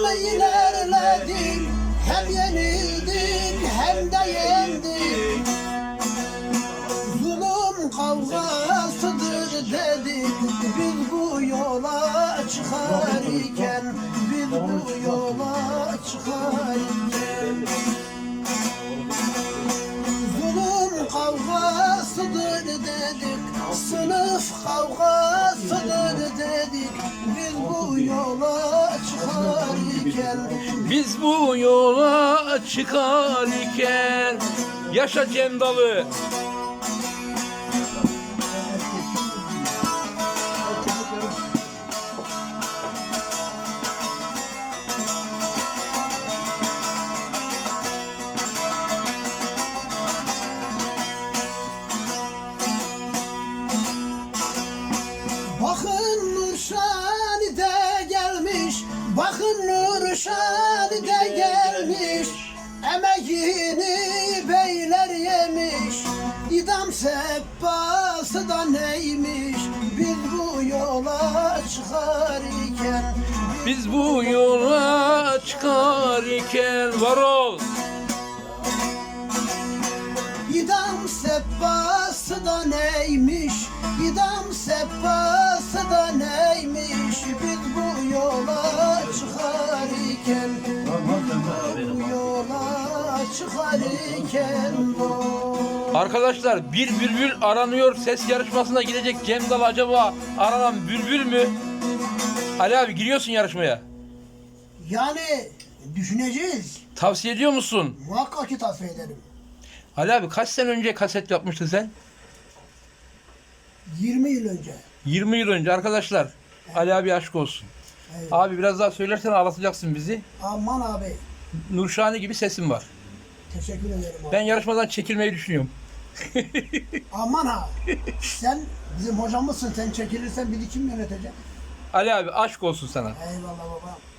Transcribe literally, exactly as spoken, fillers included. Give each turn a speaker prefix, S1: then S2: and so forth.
S1: Yolunu ilerledin, hem yenildin hem de yendin. Zulüm kavgasıdır dedik, biz bu yola çıkarken, biz bu yola çıkarken. Zulüm kavgasıdır dedik, sınıf kavgasıdır dedik, biz bu yola çıkarken.
S2: Biz bu yola çıkarken. Yaşa Cem Dalı.
S1: Bakın Nurşani de gelmiş, bakın Nurşani de gelmiş. Emeğini beyler yemiş, idam sebbası da neymiş. Biz bu yola çıkarken,
S2: Biz bu yola çıkarken. Var ol.
S1: idam sebbası da neymiş, idam sebbası da neymiş. Biz bu yola çıkarken, bu yola çıkarken dost.
S2: Arkadaşlar bir bülbül aranıyor. Ses yarışmasına gidecek Cem Dalı acaba aranan bülbül mü? Ali abi giriyorsun yarışmaya.
S1: Yani düşüneceğiz.
S2: Tavsiye ediyor musun?
S1: Muhakkak ki tavsiye ederim.
S2: Ali abi kaç sene önce kaset yapmıştın sen?
S1: yirmi yıl önce.
S2: yirmi yıl önce arkadaşlar. Ali abi aşk olsun.
S1: Evet.
S2: Abi biraz daha söylersen ağlatacaksın bizi.
S1: Aman abi.
S2: Nurşani gibi sesin var.
S1: Teşekkür ederim abi.
S2: Ben yarışmadan çekilmeyi düşünüyorum.
S1: Aman ha. Sen bizim hocamızsın. Sen çekilirsen bizi kim yönetecek?
S2: Ali abi aşk olsun sana.
S1: Eyvallah baba.